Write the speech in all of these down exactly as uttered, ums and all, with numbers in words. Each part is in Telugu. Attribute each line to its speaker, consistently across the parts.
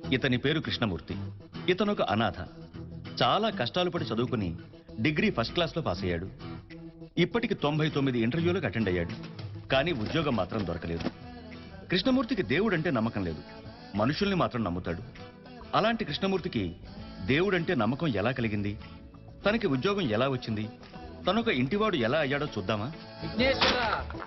Speaker 1: ఇతని పేరు కృష్ణమూర్తి. ఇతను ఒక అనాథ. చాలా కష్టాలు పడి చదువుకుని డిగ్రీ ఫస్ట్ క్లాస్లో పాస్ అయ్యాడు. ఇప్పటికి తొంభై తొమ్మిది ఇంటర్వ్యూలకు అటెండ్ అయ్యాడు. కానీ ఉద్యోగం మాత్రం దొరకలేదు. కృష్ణమూర్తికి దేవుడంటే నమ్మకం లేదు, మనుషుల్ని మాత్రం నమ్ముతాడు. అలాంటి కృష్ణమూర్తికి దేవుడంటే నమ్మకం ఎలా కలిగింది, తనకి ఉద్యోగం ఎలా వచ్చింది, తనొక ఇంటివాడు ఎలా అయ్యాడో చూద్దామా?
Speaker 2: విఘ్నేశ్వర,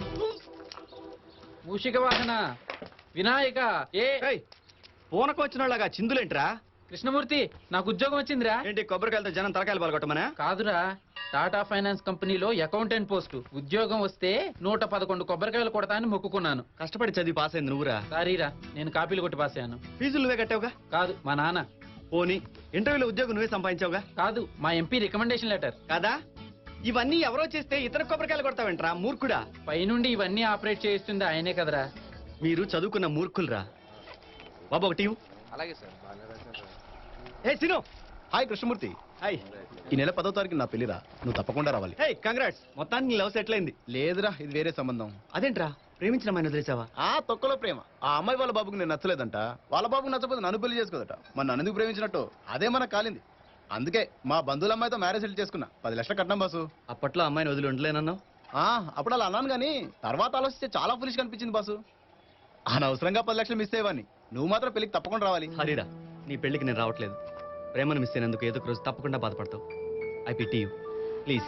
Speaker 2: మూషిక వాహన, వినాయక, ఏ
Speaker 3: పూనకు వచ్చిన వాళ్ళగా చిందులేంట్రా?
Speaker 2: కృష్ణమూర్తి, నాకు ఉద్యోగం వచ్చిందిరా.
Speaker 3: ఏంటి కొబ్బరికాయలతో జనం తలకాయలు పాల్గొట్టమనా?
Speaker 2: కాదురా, టాటా ఫైనాన్స్ కంపెనీలో అకౌంటెంట్ పోస్టు ఉద్యోగం వస్తే నూట పదకొండు కొబ్బరికాయలు కొడతా అని మొక్కుకున్నాను.
Speaker 3: కష్టపడి చదివి పాస్ అయింది నువ్వురా?
Speaker 2: సారీరా, నేను కాపీలు కొట్టి పాస్ అయ్యాను.
Speaker 3: ఫీజులు నువ్వే కట్టావుగా?
Speaker 2: కాదు, మా నాన్న.
Speaker 3: పోనీ ఇంటర్వ్యూలో ఉద్యోగం నువ్వే సంపాదించావుగా?
Speaker 2: కాదు, మా ఎంపీ రికమెండేషన్ లెటర్.
Speaker 3: కాదా? ఇవన్నీ ఎవరో చేస్తే ఇతర కొబ్బరికాయలు కొడతావేంట్రా మూర్ఖుడా?
Speaker 2: పైనుండి ఇవన్నీ ఆపరేట్ చేయిస్తుంది ఆయనే కదరా.
Speaker 3: మీరు చదువుకున్న మూర్ఖులరా. బాబు ఒకటి.
Speaker 4: అలాగే సార్.
Speaker 3: ఏ సిను.
Speaker 5: హాయ్ కృష్ణమూర్తి.
Speaker 3: హాయ్.
Speaker 5: ఈ నెల పదో తారీఖు నా పెళ్లిరా, నువ్వు తప్పకుండా రావాలి.
Speaker 3: హే కంగ్రాట్స్, మొత్తానికి లవ్ సెటిల్ అయింది.
Speaker 5: లేదురా, ఇది వేరే సంబంధం.
Speaker 3: అదేంట్రా, ప్రేమించిన అమ్మాయిని వదిలేసావా?
Speaker 5: ఆ తొక్కలో ప్రేమ. ఆ అమ్మాయి వాళ్ళ బాబుకి నేను నచ్చలేదంట, వాళ్ళ బాబుకి నచ్చకపోతే నన్ను పెళ్లి చేసుకోదట. మరి నన్ను ఎందుకు ప్రేమించినట్టు అదే మనకు కాలింది. అందుకే మా బంధువుల అమ్మాయితో మ్యారేజ్ సెటిల్ చేసుకున్నా. పది లక్షల కట్నం బాసు.
Speaker 3: అప్పట్లో అమ్మాయిని వదిలి ఉండలేనన్నావు.
Speaker 5: ఆ అప్పుడు అలా అన్నాను కానీ తర్వాత ఆలోచిస్తే చాలా ఫులిష్ కనిపించింది బాసు. అనవసరంగా పది లక్షలు మిస్ అయ్యేవాడిని. నువ్వు మాత్రం పెళ్లికి తప్పకుండా రావాలి.
Speaker 3: హరిరా, నీ పెళ్లికి నేను రావట్లేదు. ప్రేమను మిస్ అయినందుకు ఏదో ఒక రోజు తప్పకుండా బాధపడతావు. I pity you, please.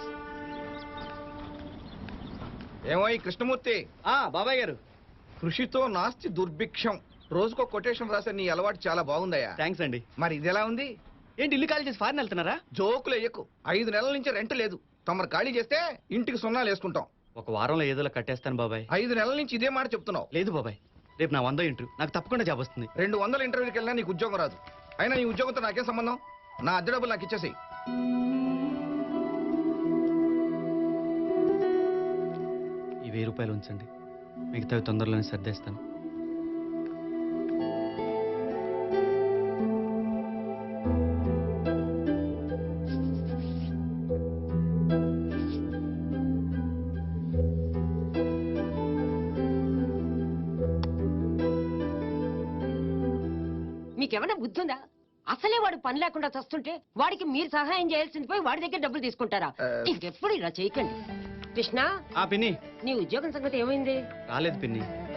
Speaker 4: ఏమో ఈ కృష్ణమూర్తి,
Speaker 3: ఆ బాబాయ్ గారు.
Speaker 4: కృషితో నాస్తి దుర్భిక్షం. రోజుకో కొటేషన్ రాసే నీ అలవాటు చాలా బాగుందయ్యా.
Speaker 3: థ్యాంక్స్ అండి.
Speaker 4: మరి ఇది ఎలా ఉంది?
Speaker 3: ఏంటి ఇల్లు ఖాళీ చేసి ఫారిన్ వెళ్తున్నారా?
Speaker 4: జోకులు ఎయ్యకు. ఐదు నెలల నుంచి రెంట్ లేదు. తమరు ఖాళీ చేస్తే ఇంటికి సున్నాలు వేసుకుంటాం.
Speaker 3: ఒక వారంలో ఏదోలా కట్టేస్తాను బాబాయ్.
Speaker 4: ఐదు నెలల నుంచి ఇదే మాట చెప్తున్నావు.
Speaker 3: లేదు బాబాయ్, రేపు నా వందో ఇంటర్వ్యూ, నాకు తప్పకుండా జాబ్ వస్తుంది.
Speaker 4: రెండు వందల ఇంటర్వ్యూకి వెళ్ళినా నీకు ఉద్యోగం రాదు. అయినా నీ ఉద్యోగంతో నాకేం సంబంధం? నా అద్దె డబ్బులు నాకు ఇచ్చేసేయి.
Speaker 3: ఈ వెయ్యి రూపాయలు ఉంచండి, మిగతావి తొందరలోనే సర్దేస్తాను.
Speaker 6: మీకేమైనా బుద్ధి ఉందా? అసలే వాడు పని లేకుండా చస్తుంటే వాడికి మీరు సహాయం చేయాల్సింది పోయి వాడి దగ్గర డబ్బులు తీసుకుంటారా? ఇంకెప్పుడు ఇలా చేయకండి. కృష్ణ,
Speaker 3: ఆ పిన్ని,
Speaker 6: నీ ఉద్యోగం సంగతి ఏమైంది?
Speaker 3: రాలేదు పిన్ని.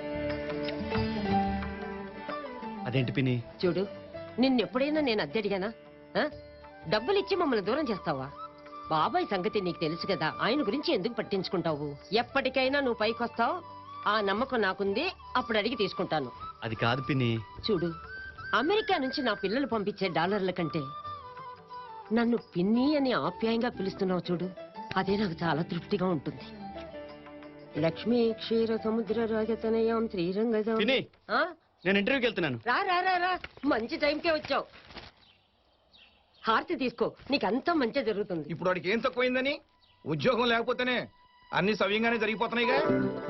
Speaker 3: అదేంటి పిన్ని?
Speaker 6: చూడు, నిన్నెప్పుడైనా నేను అద్దె అడిగానా? ఆ? డబ్బులు ఇచ్చి మమ్మల్ని దూరం చేస్తావా? బాబాయ్ సంగతి నీకు తెలుసు కదా, ఆయన గురించి ఎందుకు పట్టించుకుంటావు? ఎప్పటికైనా నువ్వు పైకి వస్తావు, ఆ నమ్మకం నాకుంది. అప్పుడు అడిగి తీసుకుంటాను.
Speaker 3: అది కాదు పిన్ని.
Speaker 6: చూడు, అమెరికా నుంచి నా పిల్లలు పంపించే డాలర్ల కంటే నన్ను పిన్ని అని ఆప్యాయంగా పిలుస్తున్నావు చూడు, అదే నాకు చాలా తృప్తిగా ఉంటుంది. లక్ష్మీ క్షీర సముద్ర రాజతనయాం శ్రీరంగం.
Speaker 3: పిన్ని, నేను ఇంటర్వ్యూకి వెళ్తున్నాను.
Speaker 6: రా రా రా రా, మంచి టైంకే వచ్చావు. హారతి తీసుకో, నీకంతా మంచి జరుగుతుంది.
Speaker 4: ఇప్పుడు వాడికి ఏం తక్కువైందని? ఉద్యోగం లేకపోతేనే అన్ని సవ్యంగానే జరిగిపోతున్నాయిగా.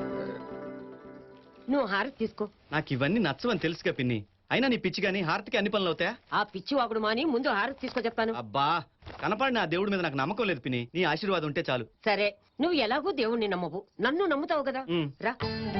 Speaker 6: నువ్వు హారతి తీసుకో.
Speaker 3: నాకు ఇవన్నీ నచ్చవని తెలుసుగా పిన్ని. అయినా నీ పిచ్చి గానీ హారతికి అన్ని పనులు అవుతాయా?
Speaker 6: ఆ పిచ్చి వాగుడు మాని ముందు హారతి తీసుకో చెప్తాను.
Speaker 3: అబ్బా, కనపడిన ఆ దేవుడి మీద నాకు నమ్మకం లేదు పిన్ని. నీ ఆశీర్వాదం ఉంటే చాలు.
Speaker 6: సరే, నువ్వు ఎలాగూ దేవుణ్ణి నమ్మవు, నన్ను నమ్ముతావు కదా. రా.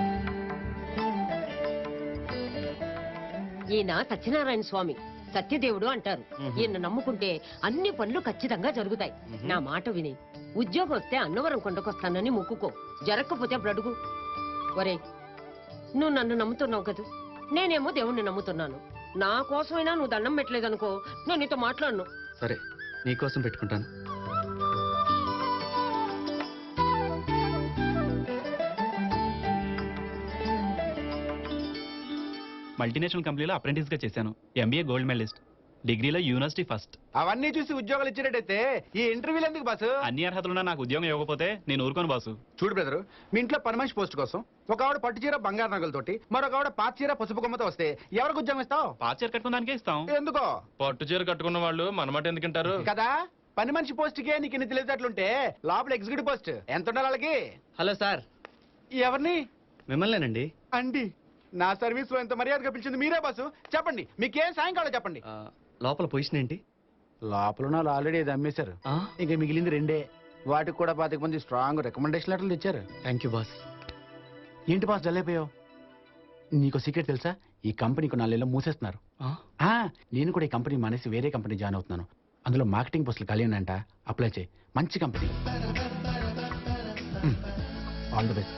Speaker 6: ఈయన సత్యనారాయణ స్వామి, సత్యదేవుడు అంటారు. ఈయన నమ్ముకుంటే అన్ని పనులు ఖచ్చితంగా జరుగుతాయి. నా మాట విని ఉద్యోగం వస్తే అన్నవరం కొండకొస్తానని మొక్కుకో. జరగకపోతే అప్పుడు అడుగు. ఒరే, నువ్వు నన్ను నమ్ముతున్నావు కదా, నేనేమో దేవుణ్ణి నమ్ముతున్నాను. నా కోసమైనా నువ్వు దండం పెట్టలేదనుకో, నేను నీతో మాట్లాడను.
Speaker 3: సరే, నీకోసం పెట్టుకుంటాను.
Speaker 7: మల్టీనేషనల్ కంపెనీలో అప్రెంటిస్ గా చేశాను. ఎంబీఏ గోల్డ్ మెడలిస్ట్, డిగ్రీలో యూనివర్సిటీ ఫస్ట్.
Speaker 4: అవన్నీ చూసి ఉద్యోగాలు ఇచ్చినట్టయితే ఈ ఇంటర్వ్యూలు ఎందుకు బాసు?
Speaker 7: అన్ని అర్హతలున్నా నాకు ఉద్యోగం ఇవ్వకపోతే నేను ఊరుకోను బాసు.
Speaker 4: చూడు బ్రదరు, మీ ఇంట్లో పని మనిషి పోస్ట్ కోసం ఒక ఆవిడ పట్టు చీర బంగారు నగలతోటి, మరొక ఆవిడ పాత చీర పసుపు కొమ్మతో వస్తే ఎవరికి ఉద్యోగం ఇస్తావు?
Speaker 7: పాత చీర కట్టుకోవడానికే ఇస్తాం.
Speaker 4: ఎందుకో?
Speaker 7: పట్టు చీర కట్టుకున్న వాళ్ళు మనమాట ఎందుకంటారు
Speaker 4: కదా. పని మనిషి పోస్ట్ కే నీకు ఇన్ని తెలియదట్లుంటే లోపల ఎగ్జిక్యూటివ్ పోస్ట్ ఎంత ఉండాలి వాళ్ళకి?
Speaker 3: Hello sir.
Speaker 4: ఎవరిని?
Speaker 3: మిమ్మల్నేనండి.
Speaker 4: అండి, నా సర్వీస్ లో ఎంత మర్యాదగా పిలిచింది మీరే బాసు. చెప్పండి, మీకేం సాయంకాలం చెప్పండి.
Speaker 3: లోపల పొజిషన్ ఏంటి?
Speaker 4: లోపల వాళ్ళు ఆల్రెడీ ఇది అమ్మేశారు. ఇంకా మిగిలింది రెండే. వాటికి కూడా పాతిక మంది స్ట్రాంగ్ రికమెండేషన్ లెటర్లు ఇచ్చారు.
Speaker 3: Thank you boss.
Speaker 4: ఏంటి బాస్ జల్లైపోయావు? నీకు సీక్రెట్ తెలుసా? ఈ కంపెనీకి నాలుగేళ్ళు మూసేస్తున్నారు. ఆ, నేను కూడా ఈ కంపెనీ మానేసి వేరే కంపెనీ జాయిన్ అవుతున్నాను. అందులో మార్కెటింగ్ పోస్టులు ఖాళీ అంట. అప్లై చేయి. మంచి కంపెనీ. All the best.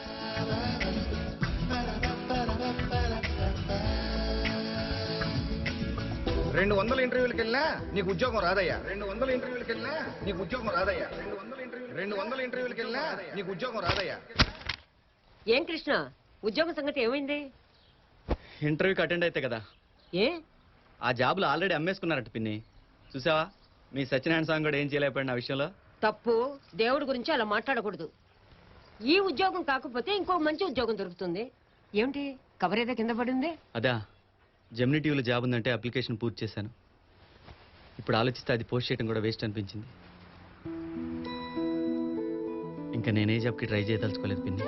Speaker 8: రెండు వందల ఇంటర్వ్యూలకు వెళ్ళినా నీకు ఉద్యోగం రాదయ్యా. రెండు వందల ఇంటర్వ్యూలకు వెళ్ళినా నీకు ఉద్యోగం రాదయ్యా. రెండు వందల ఇంటర్వ్యూ రెండు వందల ఇంటర్వ్యూలకు వెళ్ళినా నీకు ఉద్యోగం రాదయ్యా.
Speaker 6: ఏం కృష్ణ, ఉద్యోగం సంగతి ఏమైంది?
Speaker 3: ఇంటర్వ్యూకి అటెండ్ అయితే కదా,
Speaker 6: ఏ
Speaker 3: ఆ జాబులు ఆల్రెడీ అమ్మేసుకున్నారట పిన్ని. చూసావా, మీ సత్యనారాయణ స్వామి కూడా ఏం చేయలేకపోయిన ఆ విషయంలో.
Speaker 6: తప్పు. దేవుడి గురించి అలా మాట్లాడకూడదు. ఈ ఉద్యోగం కాకపోతే ఇంకో మంచి ఉద్యోగం దొరుకుతుంది. ఏమిటి కవర్ ఏదో కింద పడింది?
Speaker 3: అదా, జెమినీ టీవీలో జాబ్ ఉందంటే అప్లికేషన్ పూర్తి చేశాను. ఇప్పుడు ఆలోచిస్తే అది పోస్ట్ చేయడం కూడా వేస్ట్ అనిపించింది. ఇంకా నేనే జాబ్కి ట్రై చేయదలుచుకోలేదు పిన్ని.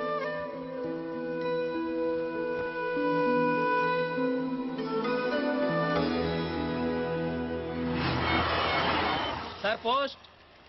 Speaker 2: Sir post.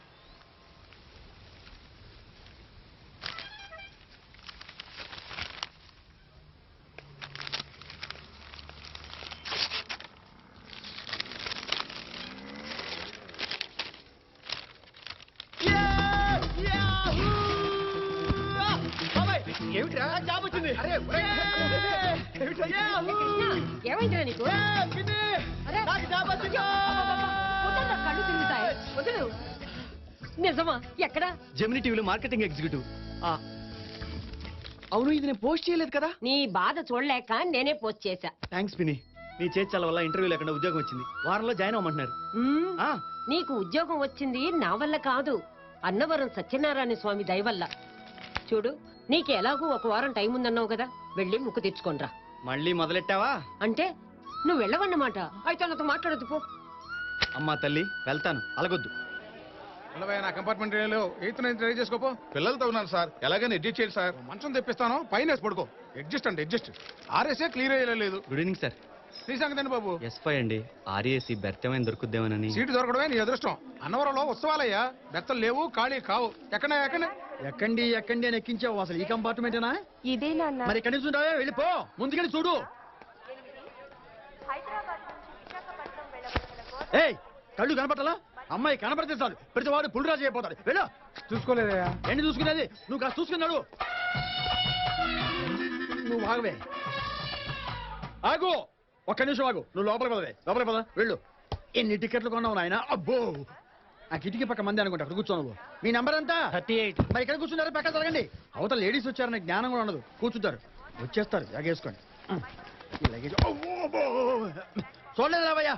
Speaker 8: ఏమిట్రా జాబ్ వచ్చింది? అరే
Speaker 6: కృష్ణ, ఏమైందిరా నీకు? అరే, వదలరా, కళ్ళు తిరుగుతాయి. వదలు. నిజమా? ఎక్కడా?
Speaker 3: జెమినీ టీవీలో మార్కెటింగ్ ఎగ్జిక్యూటివ్. అవును, ఇది నేను పోస్ట్ చేయలేదు కదా.
Speaker 6: నీ బాధ చూడలేక నేనే పోస్ట్ చేశా.
Speaker 3: థ్యాంక్స్ పిన్ని. నీ చేర్చాల వల్ల ఇంటర్వ్యూ లేకుండా ఉద్యోగం వచ్చింది. వారంలో జాయిన్ అవ్వమంటున్నారు.
Speaker 6: మ్మ్.
Speaker 3: ఆ,
Speaker 6: నీకు ఉద్యోగం వచ్చింది నా వల్ల కాదు, అన్నవరం సత్యనారాయణ స్వామి దయ వల్ల. చూడు, నీకు ఎలాగూ ఒక వారం టైం ఉందన్నావు కదా, వెళ్ళి ముక్కు తెచ్చుకోనరా.
Speaker 3: మళ్ళీ మొదలెట్టావా?
Speaker 6: అంటే నువ్వు వెళ్ళవన్నమాట. అయితే నాతో మాట్లాడదు పో.
Speaker 3: అమ్మా తల్లి, వెళ్తాను, అలగొద్దు.
Speaker 8: నా కంపార్ట్మెంట్ ఎయిత్ నైన్త్ ట్రై చేసుకోపో. పిల్లలతో ఉన్నాను సార్, ఎలాగైనా అడ్జస్ట్ చేయండి సార్. మంచం తెప్పిస్తాను, పైన వేసి పడుకో. అడ్జస్ట్ అంటే అడ్జస్ట్. ఆర్ఎస్ఏ క్లియర్ అయ్యలేదు.
Speaker 3: Good evening sir.
Speaker 8: నీ సంగతి బాబు.
Speaker 3: ఎస్ ఫైవ్ అండి. ఆర్ఏసీ బెర్త్ ఏమైనా దొరుకుద్దేమోనని.
Speaker 8: సీటు దొరకడమే నీ అదృష్టం. అన్నవరంలో ఉత్సవాలయ్యా, బెత్తలు లేవు, ఖాళీ కావు. ఎక్కడ ఎక్కడ
Speaker 9: ఎక్కండి ఎక్కండి అని ఎక్కించావు. అసలు ఈ కంపార్ట్మెంటేనా?
Speaker 10: ఇదే నాన్న.
Speaker 9: మరి ఎక్కడి నుంచి ఉంటావే, వెళ్ళిపో. ముందుకెళ్ళి చూడు. ఏయ్, కళ్ళు కనపట్టాలా? అమ్మాయి కనపడితే చాలు ప్రతి వాడు పుల్లిరాజు అయిపోతాడు. వెళ్ళు.
Speaker 8: చూసుకోలేదయ్యా.
Speaker 9: ఏంటి చూసుకునేది? నువ్వు కాస్త చూసుకున్నాడు. నువ్వు ఆగవే, ఆగు. ఒక్క నిమిషం ఆగు. నువ్వు లోపల పదవే, లోపల పద. వెళ్ళు. ఎన్ని టికెట్లు కొన్నావు నాయన? అబ్బో, ఆ కిటికీ పక్క మంది అనుకుంటా. అక్కడ కూర్చో నువ్వు. మీ నెంబర్ ఎంత? Thirty eight. మరి ఇక్కడ కూర్చున్నారా? పక్క జరగండి. అవతల లేడీస్ వచ్చారని జ్ఞానం కూడా ఉండదు. కూర్చుంటారు, వచ్చేస్తారు. జాగేసుకోండి. ఈ లగేజ్ చూడలేదు రావయ్యా.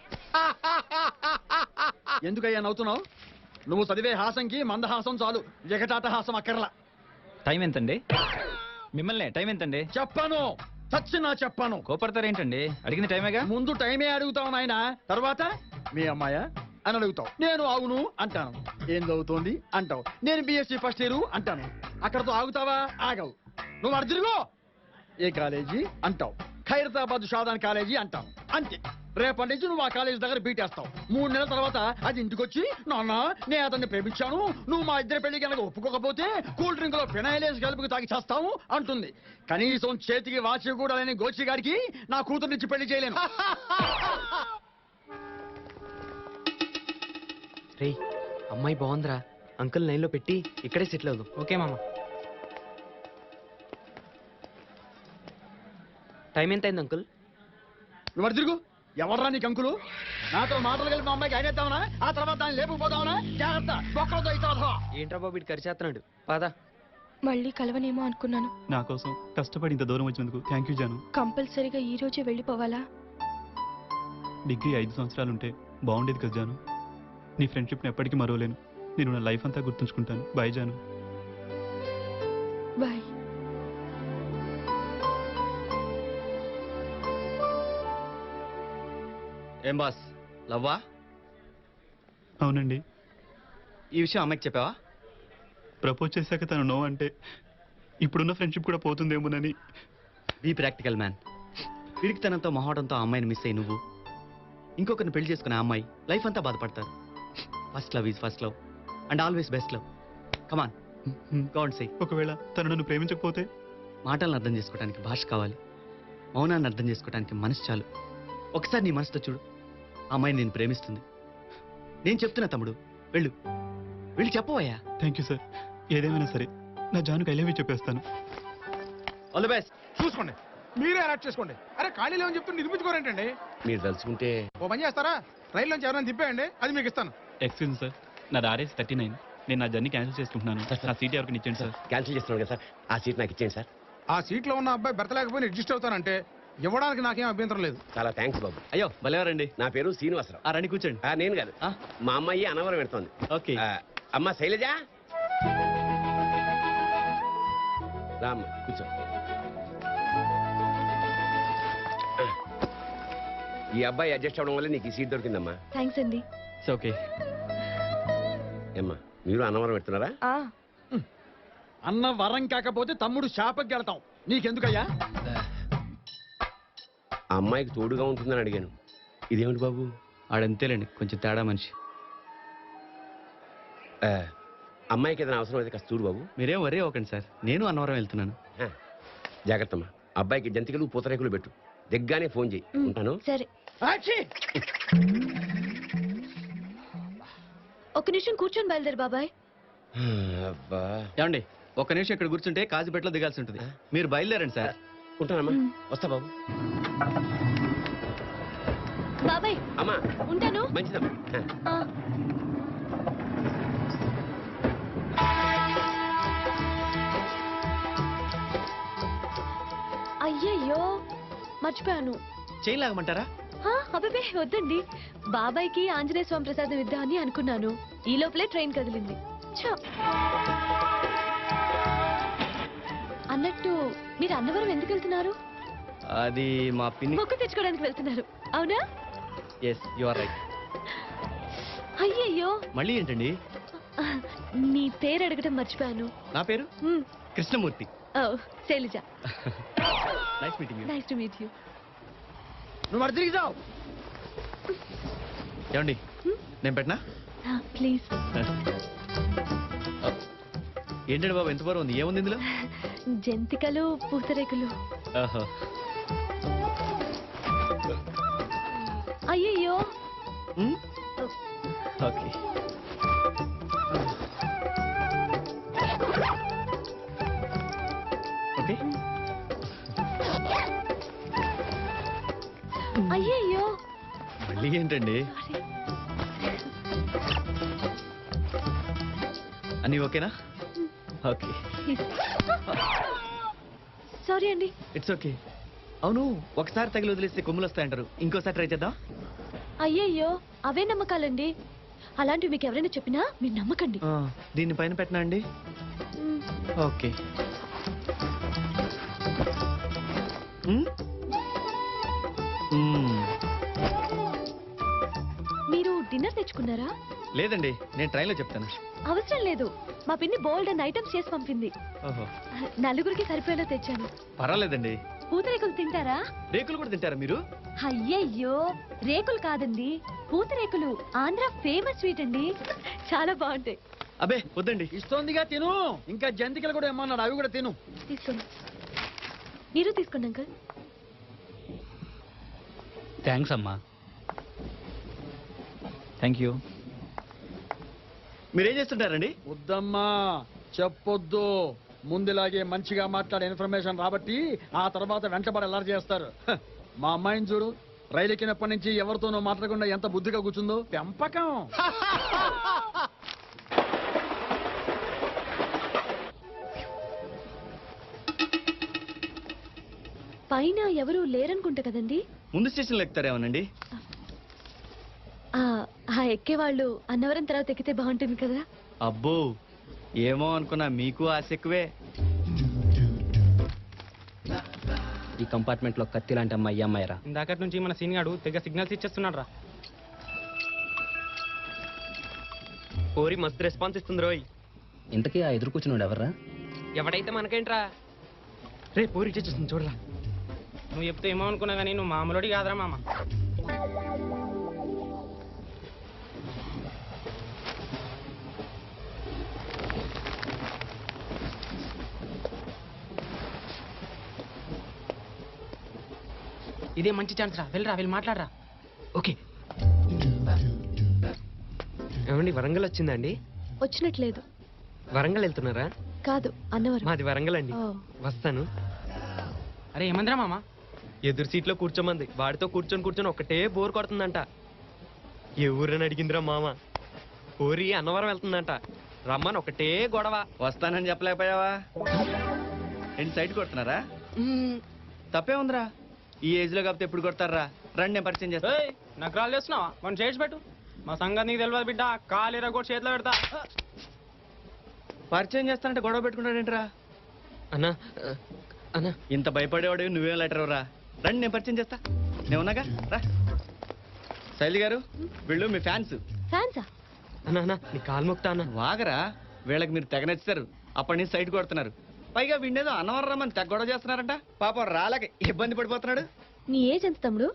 Speaker 9: ఎందుకయ్యా నవ్వుతున్నావు? నువ్వు చదివే హాసంకి మందహాసం చాలు, జగటాట హాసం అక్కర్లా.
Speaker 7: టైం ఎంతండి? మిమ్మల్ని టైం ఎంతండి?
Speaker 9: చెప్పాను, చచ్చినా చెప్పాను.
Speaker 7: కోపడతారేంటండి? అడిగిన టైమేగా.
Speaker 9: ముందు టైమే అడుగుతావు నాయన, తర్వాత మీ అమ్మాయా అని అడుగుతావు. నేను అవును అంటాను. ఏం చదువుతోంది అంటావు. నేను బిఎస్సీ ఫస్ట్ ఇయర్ అంటాను. అక్కడతో ఆగుతావా? ఆగవు. నువ్వు అడు తిరుగు. ఏ కాలేజీ అంటావు. ఖైరతాబాద్ షాదాన్ కాలేజీ అంటావు. అంతే. రేపటి నుంచి నువ్వు ఆ కాలేజీ దగ్గర బీటేస్తావు. మూడు నెలల తర్వాత అది ఇంటికొచ్చి, నాన్న నేను అతన్ని ప్రేమించాను, నువ్వు మా ఇద్దరి పెళ్లి కనుక ఒప్పుకోకపోతే కూల్ డ్రింక్ లో ఫినాయిలేసి కలుపుకు తాగి చేస్తావు అంటుంది. కనీసం చేతికి వాచి కూడా లేని గోచి గారికి నా కూతురునిచ్చి పెళ్లి చేయలేను.
Speaker 3: రే, అమ్మాయి బాగుందిరా. అంకుల్ లైన్లో పెట్టి ఇక్కడే సెటిల్ అవుదాం.
Speaker 2: ఓకే మామ.
Speaker 3: టైం ఎంత అయింది అంకుల్?
Speaker 9: నువ్వు అడు తిరుగు. ఎవర్రా నీకు అంకులు? నాతో మాటలు కలిపి మా అమ్మాయికి అయినేద్దామనా? ఆ తర్వాత దాన్ని లేపుకుపోదామనా? జాగ్రత్త, బొక్కలతో ఇస్తావా?
Speaker 3: ఏంట్రా బాబు, ఇటు ఖర్చేస్తున్నాడు. పాదా.
Speaker 10: మళ్ళీ కలవనేమో అనుకున్నాను.
Speaker 7: నా కోసం కష్టపడి ఇంత దూరం వచ్చినందుకు థ్యాంక్ యూ జాను.
Speaker 10: కంపల్సరీగా ఈ రోజే వెళ్ళిపోవాలా?
Speaker 7: డిగ్రీ ఐదు సంవత్సరాలుంటే బాగుండేది కదా జాను. నీ ఫ్రెండ్షిప్ని ఎప్పటికీ మరవలేను. నేను నా లైఫ్ అంతా గుర్తుంచుకుంటాను. బాయ్ జాను.
Speaker 10: బాయ్.
Speaker 3: ఏం బాస్, లవ్వా?
Speaker 7: అవునండి.
Speaker 3: ఈ విషయం అమ్మాయికి చెప్పావా?
Speaker 7: ప్రపోజ్ చేశాక తను నో అంటే ఇప్పుడున్న ఫ్రెండ్షిప్ కూడా పోతుందేమోనని.
Speaker 3: Be practical man. పిడికితనంతో మొహటంతో ఆ అమ్మాయిని మిస్ అయ్యి నువ్వు ఇంకొకరిని పెళ్లి చేసుకునే ఆ అమ్మాయి లైఫ్ అంతా బాధపడతారు. First love is first love and always best love. Come on, God say.
Speaker 7: ఒకవేళ తను నన్ను ప్రేమించకపోతే?
Speaker 3: మాటలను అర్థం చేసుకోవడానికి భాష కావాలి, మౌనాన్ని అర్థం చేసుకోవడానికి మనసు చాలు. ఒకసారి నీ మనసుతో చూడు, ఆ అమ్మాయిని నేను ప్రేమిస్తుంది. నేను చెప్తున్నా తమ్ముడు, వెళ్ళు వెళ్ళి చెప్పవయ్యా.
Speaker 7: Thank you sir. ఏదేమైనా సరే నా జానుకి ఐ లవ్ యూ చెప్పేస్తాను.
Speaker 3: All the best.
Speaker 8: చూసుకోండి, మీరే అలర్ట్ చేసుకోండి. అరే ఖాళీ లేవని చెప్తే నిర్మించుకోరేంటండి?
Speaker 3: మీరు తలుచుకుంటే
Speaker 8: ఓ పని చేస్తారా, రైల్లోంచి ఎవరైనా తిప్పేయండి, అది మీకు ఇస్తాను.
Speaker 7: ఎక్స్క్యూజ్ సార్, నాది ఆర్ఎస్ థర్టీ నైన్. నేను నా జర్నీ క్యాన్సిల్ చేసుకుంటున్నాను. నా సీట్ ఎవరికి ఇచ్చేయండి సార్.
Speaker 3: క్యాన్సిల్ చేస్తున్నాను కదా సార్, ఆ సీట్ నాకు ఇచ్చేయండి సార్.
Speaker 8: ఆ సీట్లో ఉన్న అబ్బాయి బెర్త లేకపోయినా అడ్జస్ట్ అవుతానంటే ఇవ్వడానికి నాకేం అభ్యంతరం లేదు.
Speaker 3: చాలా థ్యాంక్స్ బాబు. అయ్యో భలేవారండి. నా పేరు శ్రీనివాసరావు. ఆ రండి కూర్చోండి. నేను కాదు, మా అమ్మాయి అనవరం పెడుతోంది. ఓకే. అమ్మ శైలజ, రామ్మ కూర్చో. ఈ అబ్బాయి అడ్జస్ట్ అవడం వల్ల నీకు ఈ సీట్ దొరికిందమ్మా.
Speaker 10: థ్యాంక్స్ అండి.
Speaker 3: ఓకే. అమ్మా మీరు అనవరం పెడుతున్నారా?
Speaker 9: అన్న వరం కాకపోతే తమ్ముడు శాపకి గెడతాం. నీకెందుకయ్యా?
Speaker 3: ఆ అమ్మాయికి తోడుగా ఉంటుందని అడిగాను. ఇదేమిటి బాబు? ఆడంతేలేండి, కొంచెం తేడా మనిషి. అమ్మాయికి ఏదైనా అవసరం అయితే కాస్త చూడు బాబు. మీరేం వరే ఒకండి సార్, నేను అన్నవరం వెళ్తున్నాను. జాగ్రత్తమ్మా. అబ్బాయికి జంతికలు పూతరేకులు పెట్టు. దిగ్గానే ఫోన్ చేయి. ఉంటాను.
Speaker 10: సరే. ఒక నిమిషం కూర్చొని బయలుదేరు బాబాయ్.
Speaker 3: అబ్బా ఏమండి, ఒక్క నిమిషం ఇక్కడ కూర్చుంటే కాజుపేటలో దిగాల్సి ఉంటుంది. మీరు బయలుదేరండి సార్. ఉంటానమ్మా. వస్తా బాబు.
Speaker 10: బాబాయ్
Speaker 3: అమ్మా
Speaker 10: ఉంటాను.
Speaker 3: మంచిదమ్మా.
Speaker 10: ఆ. అయ్యయ్యో మర్చిపోయాను.
Speaker 3: చేయి లాగమంటారా?
Speaker 10: అబ్బే వద్దండి, బాబాయ్కి ఆంజనేయ స్వామి ప్రసాదం ఇద్దామని అనుకున్నాను. ఈ లోపలే ట్రైన్ కదిలింది. ఛ! అన్నట్టు మీరు అన్నవరం ఎందుకు వెళ్తున్నారు?
Speaker 3: అది మా పిన్ని
Speaker 10: మొక్కు తెచ్చుకోవడానికి వెళ్తున్నారు, అవునా?
Speaker 3: Yes you are right.
Speaker 10: అయ్యయ్యో
Speaker 3: మళ్ళీ ఏంటండి?
Speaker 10: మీ పేరు అడగడం మర్చిపోయాను.
Speaker 3: నా పేరు Krishnamurthy.
Speaker 10: Oh Shailaja.
Speaker 3: Nice meeting you.
Speaker 10: Nice to meet you.
Speaker 9: నువ్వు అటు తిరిగి జావు.
Speaker 3: ఏమండి నేను పెట్టనా?
Speaker 10: ప్లీజ్.
Speaker 3: ఏంటండి బాబు ఎంత బరువు ఉంది? ఏముంది ఇందులో?
Speaker 10: జంతికలు పూతరేకులు. అయ్యయ్యో.
Speaker 3: ఓకే. ఓకే.
Speaker 10: అయ్యయ్యో.
Speaker 3: మళ్ళీ ఏంటండి? అన్నీ ఓకేనా? ఓకే.
Speaker 10: సారీ అండి.
Speaker 3: It's okay. అవును, ఒకసారి తగిలి వదిలేస్తే కొమ్ములు వస్తాయంటారు. ఇంకోసారి ట్రై చేద్దాం.
Speaker 10: అయ్యయ్యో అవే నమ్మకాలండి. అలాంటివి మీకు ఎవరైనా చెప్పినా మీరు నమ్మకండి.
Speaker 3: దీన్ని పైన పెట్టనా అండి? ఓకే.
Speaker 10: మీరు డిన్నర్ తెచ్చుకున్నారా?
Speaker 3: లేదండి, నేను ట్రైన్లో చెప్తాను.
Speaker 10: అవసరం లేదు, మా పిన్ని బోల్డ్ అండ్ ఐటమ్స్ చేసి పంపింది.
Speaker 3: ఓహో.
Speaker 10: నలుగురికి సరిపోయేలా తెచ్చాను.
Speaker 3: పర్వాలేదండి.
Speaker 10: పూతరేకులు తింటారా?
Speaker 3: రేకులు కూడా తింటారా మీరు?
Speaker 10: అయ్యయ్యో రేకులు కాదండి, పూతరేకులు. ఆంధ్ర ఫేమస్ స్వీట్ అండి, చాలా బాగుంటాయి.
Speaker 3: అబే వద్దండి.
Speaker 9: ఇస్తోందిగా తిను. ఇంకా జంతికలు కూడా ఏమన్నాడు, అవి కూడా తిను.
Speaker 10: తీసుకోండి. మీరు తీసుకోండి అంకుల్.
Speaker 7: థ్యాంక్స్ అమ్మా. Thank you.
Speaker 3: మీరేం చేస్తుంటారండి?
Speaker 9: వద్దమ్మా చెప్పొద్దు. ముందులాగే మంచిగా మాట్లాడే ఇన్ఫర్మేషన్ రాబట్టి ఆ తర్వాత వెంటబడి ఎలా చేస్తారు. హ, మా అమ్మాయిని చూడు, రైలు ఎక్కినప్పటి నుంచి ఎవరితోనో మాట్లాడకుండా ఎంత బుద్ధిగా కూర్చుందో. పెంపకం.
Speaker 10: పైన ఎవరు లేరనుకుంటా కదండి?
Speaker 3: ముందు స్టేషన్లో ఎక్కుతారేమోనండి.
Speaker 10: ఆ ఎక్కేవాళ్ళు అన్నవరం తర్వాత ఎక్కితే బాగుంటుంది కదా.
Speaker 3: అబ్బో ఏమో అనుకున్నా, మీకు ఆశ ఎక్కువే.
Speaker 11: ఈ కంపార్ట్మెంట్ లో కత్తి లాంటి అమ్మాయి అమ్మాయి రా.
Speaker 2: ఇందాకటి నుంచి మన సీన్ గాడు తెగ సిగ్నల్స్ ఇచ్చేస్తున్నాడు రా.
Speaker 11: కోరి మస్తు రెస్పాన్స్ ఇస్తుంది రోయ్. ఇంతకీ ఆ ఎదురు కూర్చున్నాడు ఎవర్రా?
Speaker 2: ఎవడైతే మనకేంట్రా.
Speaker 3: రే పోరి ఇచ్చేస్తుంది చూడరా.
Speaker 2: నువ్వు చెప్తే ఏమో అనుకున్నా కానీ నువ్వు మామూలుడి కాదురా మామ. ఇదే మంచి ఛాన్స్ రా, వెళ్ళరా వెళ్ళి మాట్లాడరా.
Speaker 11: ఓకే. ఏమండి వరంగల్ వచ్చిందండి?
Speaker 10: వచ్చినట్లేదు.
Speaker 11: వరంగల్ వెళ్తున్నారా?
Speaker 10: కాదు, అన్నవరం.
Speaker 11: మాది వరంగల్ అండి.
Speaker 10: ఓ.
Speaker 11: వస్తాను.
Speaker 2: అరే ఏమందిరా మామ?
Speaker 11: ఎదురు సీట్లో కూర్చోమంది. వాడితో కూర్చొని కూర్చొని ఒకటే బోర్ కొడుతుందంట. ఏ ఊరని అడిగిందిరా మామ. ఊరి అన్నవరం వెళ్తుందంట. రమ్మని ఒకటే గొడవ.
Speaker 3: వస్తానని చెప్పలేకపోయావా? ఏంటి సైడ్ కొడుతున్నారా? తప్పే ఉందిరా. ఈ ఏజ్ లో కాకపోతే ఎప్పుడు కొడతారా? రండి నేను పరిచయం చేస్తా.
Speaker 2: నాకు రాళ్ళు చేస్తున్నావా? మనం చేసి పెట్టు. మా సంగతి నీకు తెలియదు బిడ్డ. కాలేరా కూడా చేతిలో పెడతా.
Speaker 3: పరిచయం చేస్తానంటే గొడవ పెట్టుకుంటాడేంట్రా?
Speaker 11: అన్నా అన్నా
Speaker 3: ఇంత భయపడేవాడు నువ్వేం లెటర్ రా. రండి నేను పరిచయం చేస్తా. నేను ఉన్నాగా రా. శైలి గారు వీళ్ళు మీ ఫ్యాన్స్.
Speaker 10: ఫ్యాన్సా?
Speaker 11: అన్నా అన్నా నీ కాలు మొక్తా అన్న.
Speaker 3: వాగరా, వీళ్ళకి మీరు తెగ నచ్చారు. అప్పటి నుంచి సైడ్ కొడుతున్నారు. పైగా వీడేదో అన్నవరం రమ్మని తెగ గొడవ చేస్తున్నారంట. పాపం రాలేక ఇబ్బంది పడిపోతున్నాడు.
Speaker 10: నీ ఏజ్ ఎంత తమ్ముడు?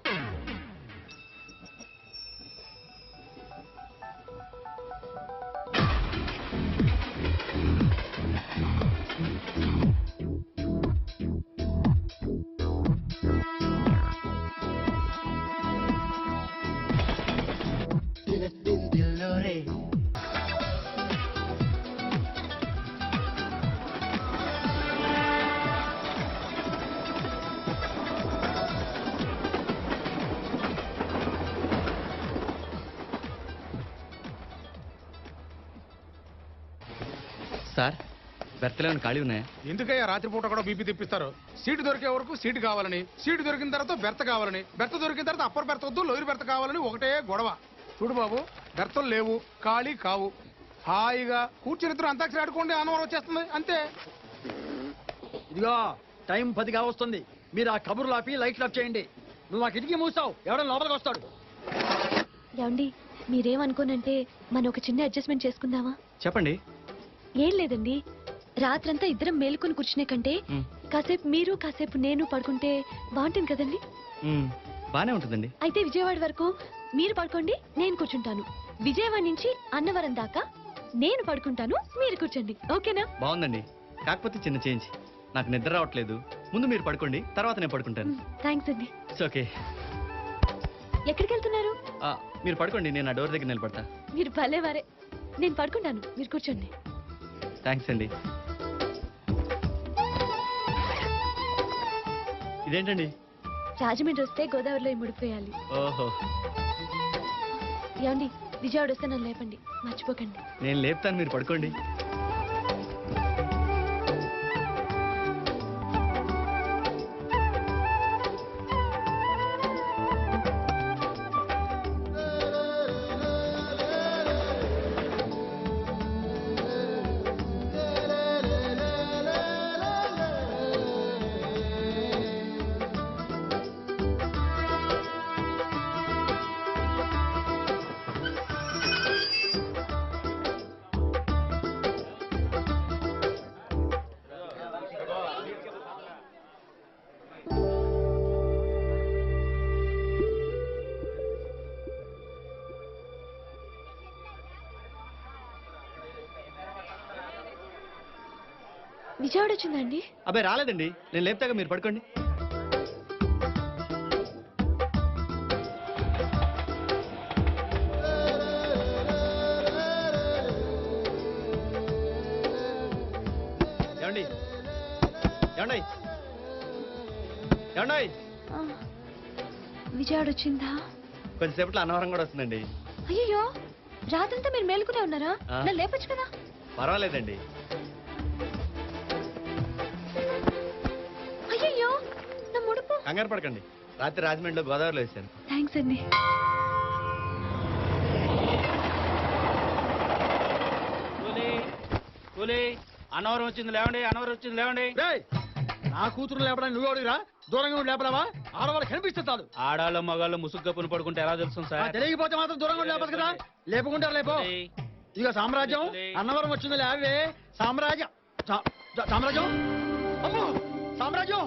Speaker 3: సార్ బెర్తలో ఖాళీ ఉన్నాయా?
Speaker 8: ఎందుకయ్యా రాత్రిపూట కూడా బీపీ తెప్పిస్తారు? సీటు దొరికే వరకు సీటు కావాలని, సీటు దొరికిన తర్వాత బెర్త కావాలని, బెర్త దొరికిన తర్వాత అప్పర్ బెర్త వద్దు లోయర్ బెర్త కావాలని ఒకటే గొడవ. చూడు బాబు, బెర్తలు లేవు, ఖాళీ కావు. హాయిగా కూర్చుని ఇద్దరు అంతాక్షరి ఆడుకోండి, అన్నవరం వచ్చేస్తుంది అంతే.
Speaker 9: ఇదిగో టైం పదిగా వస్తుంది. మీరు ఆ కబుర్లు ఆపి లైట్లు ఆఫ్ చేయండి. నువ్వు ఆ కిటికీ మూసావు, ఎవడో లోపలికి వస్తాడు.
Speaker 10: ఏమండి మీరేమనుకోనంటే మనం ఒక చిన్న అడ్జస్ట్మెంట్ చేసుకుందామా?
Speaker 3: చెప్పండి.
Speaker 10: ఏం లేదండి, రాత్రంతా ఇద్దరం మేలుకొని కూర్చునే కంటే
Speaker 3: మ్.
Speaker 10: కాసేపు మీరు కాసేపు నేను పడుకుంటే బాగుంటుంది కదండి.
Speaker 3: మ్, బానే ఉంటుందండి.
Speaker 10: అయితే విజయవాడ వరకు మీరు పడుకోండి, నేను కూర్చుంటాను. విజయవాడ నుంచి అన్నవరం దాకా నేను పడుకుంటాను, మీరు కూర్చోండి. ఓకేనా?
Speaker 3: బాగుందండి. కాకపోతే చిన్న చేంజ్. నాకు నిద్ర రావట్లేదు. ముందు మీరు పడుకోండి, తర్వాత నేను పడుకుంటాను.
Speaker 10: థ్యాంక్స్ అండి.
Speaker 3: It's okay.
Speaker 10: ఎక్కడికి వెళ్తున్నారు?
Speaker 3: ఆ, మీరు పడుకోండి, నేను ఆ డోర్ దగ్గర నిలబడతా.
Speaker 10: మీరు భలేవారే. నేను పడుకుంటాను, మీరు కూర్చోండి.
Speaker 3: థ్యాంక్స్ అండి. ఇదేంటండి?
Speaker 10: రాజమండ్రి వస్తే గోదావరిలో ముడిపోయాలి.
Speaker 3: ఓహో,
Speaker 10: ఏమండి విజయవాడ వస్తే నన్ను లేపండి, మర్చిపోకండి.
Speaker 3: నేను లేపుతాను, మీరు పడుకోండి.
Speaker 10: విజయవాడ వచ్చిందండి?
Speaker 3: అబ్బాయి రాలేదండి, నేను లేపుతాగా, మీరు పడుకోండి. ఏమండి ఏమండి ఏమండి
Speaker 10: ఆ, విజయవాడ వచ్చిందా?
Speaker 3: కొంచెంసేపట్లో అన్నవరం కూడా వస్తుందండి.
Speaker 10: అయ్యో, రాత్రంతా మీరు మేలుకునే ఉన్నారా?
Speaker 3: ఆ.
Speaker 10: నన్ను లేపొచ్చు కదా.
Speaker 3: పర్వాలేదండి.
Speaker 10: అయ్యో నా ముడుపు.
Speaker 3: కంగారు పడకండి, రాత్రి రాజమండ్రిలో గోదావరిలో వేసాను.
Speaker 10: థ్యాంక్స్ అండి.
Speaker 2: అన్నవరం వచ్చింది లేవండి, అన్నవరం వచ్చింది లేవండి.
Speaker 9: రేయ్, నా కూతురు లేపడానికి నువ్వు అడిగిరా? దూరంగా ఉండి లేపడావా? ఆడవాళ్ళు కనిపిస్తే చాలు.
Speaker 2: ఆడాళ్ళు మగాళ్ళు ముసుగు పని పడుకుంటే ఎలా తెలుసు
Speaker 9: ఆ,
Speaker 2: సార్?
Speaker 9: తెలియకపోతే మాత్రం దూరంగా ఉండి లేపదు కదా. లేపుకుంటారు లేపో. ఇదిగో సామ్రాజ్యం, అన్నవరం వచ్చింది లేవే. సామ్రాజ్యం సా- సా- సామ్రాజ్యం అమ్మో సామ్రాజ్యం.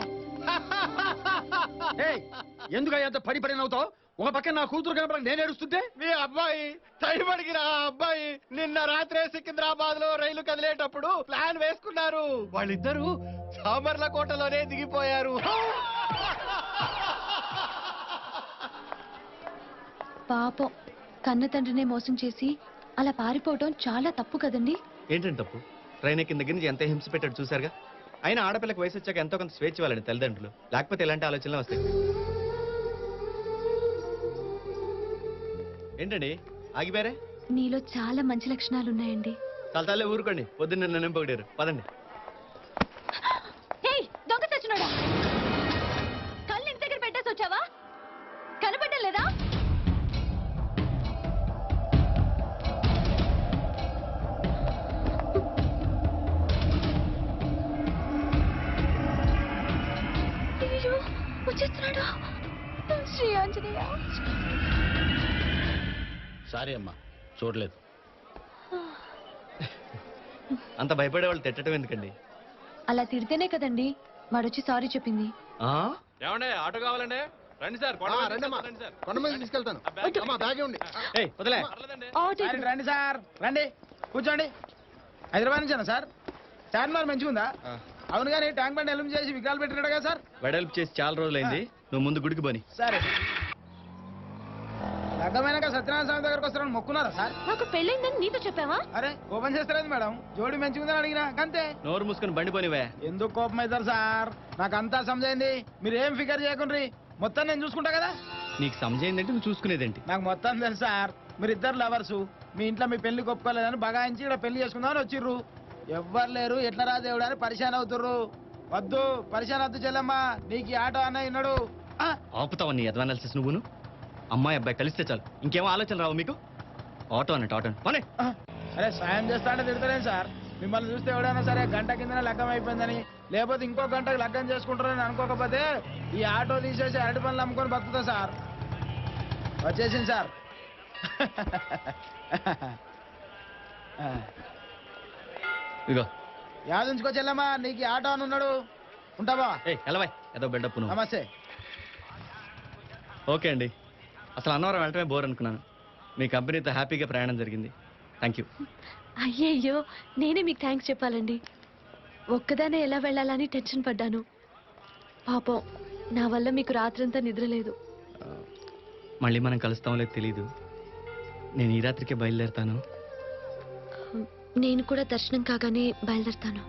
Speaker 9: ఏయ్, ఎందుకు అంత పడి పడి నవ్వుతావు? ఒక పక్కన నా కూతురు కనపడక నేను ఏడుస్తుంటే
Speaker 5: మీ అబ్బాయి టైం అడిగిన ఆ అబ్బాయి నిన్న రాత్రే సికింద్రాబాద్ లో రైలు కదిలేటప్పుడు ప్లాన్ వేసుకున్నారు. వాళ్ళిద్దరూ సామర్లకోటలోనే దిగిపోయారు.
Speaker 10: పాపం కన్న తండ్రినే మోసం చేసి అలా పారిపోవటం చాలా తప్పు కదండి.
Speaker 3: ఏంటంటే తప్పు? ట్రైన్ ఎక్కిన దగ్గర నుంచి ఎంత హింస పెట్టాడు చూసారుగా. అయినా ఆడపిల్లకి వయసు వచ్చాక ఎంతో కొంత స్వేచ్ఛ ఇవ్వాలండి తల్లిదండ్రులు, లేకపోతే ఇలాంటి ఆలోచనలు వస్తాయి. ఏంటండి ఆగిపోయారే?
Speaker 10: నీలో చాలా మంచి లక్షణాలు ఉన్నాయండి.
Speaker 3: చాలా తల్లే ఊరుకోండి, పొద్దున్న నన్ను పొగిడారు. పదండి.
Speaker 10: దొంగ చచ్చినోడా, కళ్ళు ఇంటి దగ్గర పెట్టేసి వచ్చావా? కనపడడం లేదా? అయ్యో వచ్చేస్తున్నాడు. శ్రీ ఆంజనేయ.
Speaker 5: సారీ అమ్మా, చూడలేదు.
Speaker 3: అంత భయపడే వాళ్ళు తిట్టడం ఎందుకండి?
Speaker 10: అలా తిడితేనే కదండి వాడొచ్చి సారీ చెప్పింది.
Speaker 11: ఏమండే ఆటో కావాలండి? రండి సార్,
Speaker 5: కొండ మీద తీసుకెళ్తాను. అమ్మా, బ్యాగే ఉంది.
Speaker 3: ఏయ్, వదిలే.
Speaker 10: ఆటో
Speaker 4: సార్, రండి సార్, రండి కూర్చోండి. హైదరాబాద్ నుంచేనా సార్? చార్మినార్ మంచిగా ఉందా? అవును కానీ ట్యాంక్ బండ్ ఎలుం చేసి విగ్రహాలు పెట్టినాడు కదా సార్.
Speaker 3: వెడల్పు చేసి చాలా రోజులైంది, నువ్వు ముందు గుడికి పోని.
Speaker 4: సరే, లగ్గమైనాక సత్యనారాయణ స్వామి దగ్గరకు వస్తారని మొక్కున్నారా సార్?
Speaker 10: నాకు పెళ్ళైందని నీతో చెప్పావా?
Speaker 4: అరే కోపం చేస్తారేంది మేడం? జోడి మంచిగుందని అడిగినా అంతే.
Speaker 3: నోరు మూసుకొని బండి పోనివే.
Speaker 4: ఎందుకు కోపం అవుతారు సార్? నాకు అంతా సమజైంది, మీరు ఏం ఫికర్ చేయకుండ్రి, మొత్తం నేను చూసుకుంటా కదా.
Speaker 3: నీకు సమజైందంటే నువ్వు చూసుకునేదేంటి?
Speaker 4: నాకు మొత్తం తెలుసు సార్. మీరు ఇద్దరు లవర్సు, మీ ఇంట్లో మీ పెళ్లి ఒప్పుకోలేదని బగాయించి ఇక్కడ పెళ్లి చేసుకుందామని వచ్చిర్రు. ఎవ్వరు లేరు, ఎట్లా రా దేవుడు అని పరిశాన్ అవుతుర్రు. వద్దు పరిశాన్ వద్దు చెల్లెమ్మా, నీకు ఈ ఆటో అన్న విన్నాడు.
Speaker 3: ఆపుతావా నీ అడ్వానాలిసిస్? నువ్వును అమ్మాయి అబ్బాయి కలిస్తే చాలు, ఇంకేమో ఆలోచన రావు మీకు. ఆటో అన్నట్టు ఆటో పోనీ.
Speaker 4: అరే సాయం చేస్తా అంటే తిడతారేం సార్? మిమ్మల్ని చూస్తే ఎవడైనా సరే గంట కిందనే లగ్గం అయిపోయిందని, లేకపోతే ఇంకో గంటకు లగ్గం చేసుకుంటారని అనుకోకపోతే ఈ ఆటో తీసేసి అరటి పనులు అమ్ముకొని బతుకుతా సార్. వచ్చేసింది సార్.
Speaker 3: ఇగో
Speaker 4: యాదుంచుకో చెల్లమ్మా, నీకు ఈ ఆటో అని ఉన్నాడు. ఉంటావా?
Speaker 3: ఏ ఎలవాయ్, ఏదో బిల్డప్. నువ్వు
Speaker 4: నమస్తే.
Speaker 3: ఓకే అండి, అసలు అన్నవరం వెళ్ళటమే బోర్ అనుకున్నాను. మీ కంపెనీతో హ్యాపీగా ప్రయాణం జరిగింది. Thank you.
Speaker 10: అయ్యయ్యో, నేనే మీకు థ్యాంక్స్ చెప్పాలండి. ఒక్కదానే ఎలా వెళ్ళాలని టెన్షన్ పడ్డాను. పాపం నా వల్ల మీకు రాత్రంతా నిద్ర లేదు.
Speaker 3: మళ్ళీ మనం కలుస్తామో లేదు తెలీదు. నేను ఈ రాత్రికే బయలుదేరుతాను.
Speaker 10: నేను కూడా దర్శనం కాగానే బయలుదేరుతాను.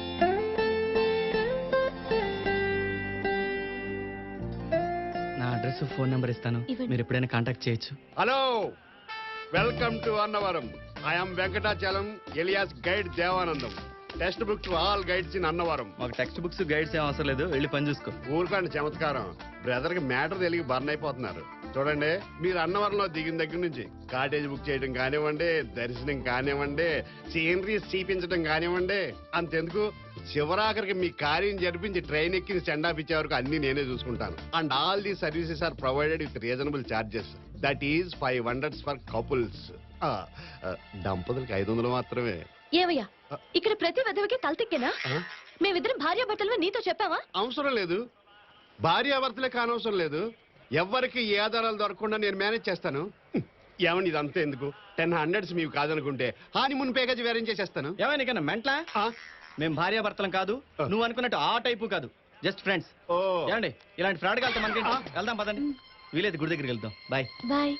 Speaker 3: నా అడ్రస్ ఫోన్ నెంబర్ ఇస్తాను, మీరు ఎప్పుడైనా కాంటాక్ట్ చేయొచ్చు.
Speaker 12: Hello, welcome to Annavaram. I'm Venkatachalam alias guide Devanandam. Text book to all guides in Annavaram.
Speaker 3: మాకు టెక్స్ట్ బుక్స్ గైడ్స్ ఏం అవసరం లేదు, వెళ్ళి పని చూసుకో.
Speaker 12: ఊరుకోండి చమత్కారం. బ్రదర్ కి మ్యాటర్ తెలియ బర్న్ అయిపోతున్నారు. చూడండి, మీరు అన్నవరంలో దిగిన దగ్గర నుంచి కాటేజ్ బుక్ చేయడం కానివ్వండి, దర్శనం కానివ్వండి, సీనరీస్ చూపించడం కానివ్వండి, అంతెందుకు చివరాఖరికి మీ కార్యం జరిపించి ట్రైన్ ఎక్కి సెండ్ ఆఫ్ ఇచ్చే వరకు అన్ని నేనే చూసుకుంటాను. And all the services are provided with reasonable charges. That is five hundreds for couples. దంపతులకి ఐదు వందలు మాత్రమే.
Speaker 10: ఏవయ్యా, ఇక్కడ ప్రతి విధవకి తలతిక్కేనా? మేమిద్దరం భార్య భర్తలు నీతో చెప్పావా?
Speaker 12: అవసరం లేదు, భార్యాభర్తలే కానవసరం లేదు. ఎవరికి ఏ ఆధారాలు దొరకకుండా నేను మేనేజ్ చేస్తాను. ఏమని ఇదంతా ఎందుకు? టెన్ హండ్రెడ్స్ మీకు కాదనుకుంటే హానిమూన్ ప్యాకేజ్ వేరేం చేసేస్తాను.
Speaker 3: ఏమైనా కన్నా మెంట్లా? మేము భార్యాభర్తలం కాదు, నువ్వు అనుకున్నట్టు ఆ టైపు కాదు, జస్ట్ ఫ్రెండ్స్.
Speaker 12: ఓ
Speaker 3: ఏమండి, ఇలాంటి ఫ్రాడ్ వెళ్తాం మనకి. వెళ్దాం పదండి, వీలేదు గుడి దగ్గరికి వెళ్దాం. Bye
Speaker 10: bye.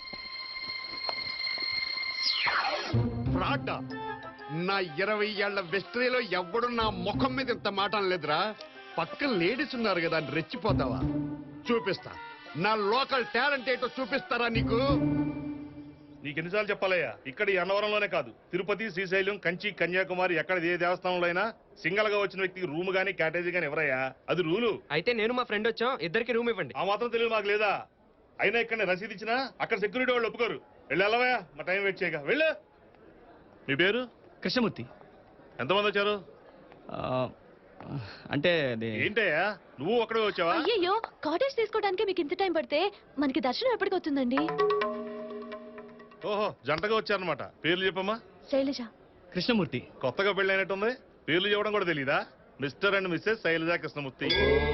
Speaker 12: ఫ్రాడ్? నా ఇరవై ఏళ్ల వెస్ట్రీలో ఎవ్వడు నా ముఖం మీద ఇంత మాట అనలేదురా. పక్కన లేడీస్ ఉన్నారు కదా అని రెచ్చిపోతావా? చూపిస్తా, నా లోకల్ టాలెంట్ ఏంటో చూపిస్తారా నీకు?
Speaker 13: నీకెన్నిసార్లు చెప్పాలయ్యా, ఇక్కడ ఈ అన్నవరంలోనే కాదు, తిరుపతి, శ్రీశైలం, కంచి, కన్యాకుమారి ఎక్కడ ఏ దేవస్థానంలో అయినా సింగల్ గా వచ్చిన వ్యక్తికి రూమ్ గానీ క్యాటేజీ గానీ ఎవరయ్యా, అది రూలు.
Speaker 11: అయితే నేను మా ఫ్రెండ్ వచ్చాం, ఇద్దరికి రూమ్ ఇవ్వండి.
Speaker 13: ఆ మాత్రం తెలియదు మాకు లేదా? అయినా ఇక్కడ రసీదు ఇచ్చినా అక్కడ సెక్యూరిటీ వాళ్ళు ఒప్పుకోరు. వెళ్ళి వెళ్ళవయ్యా, మా టైం వెయిట్ చేయగా. వెళ్ళు. మీ పేరు?
Speaker 3: కృష్ణమూర్తి.
Speaker 13: ఎంతమంది వచ్చారు?
Speaker 3: అంటే
Speaker 13: ఏంటయ్యా, నువ్వు ఒక్కడే వచ్చావా?
Speaker 10: అయ్యో, కాటేజ్ తీసుకోవడానికి మీకు ఇంత టైం పడితే మనకి దర్శనం ఎప్పటికి అవుతుందండి?
Speaker 13: ఓహో, జంటగా వచ్చారనమాట. పేర్లు చెప్పమ్మా.
Speaker 10: శైలజ.
Speaker 3: కృష్ణమూర్తి.
Speaker 13: కొత్తగా పెళ్ళి అయినట్టుంది, పేర్లు చెప్పడం కూడా తెలీదా? Mr and Mrs Shailaja Krishnamurthy.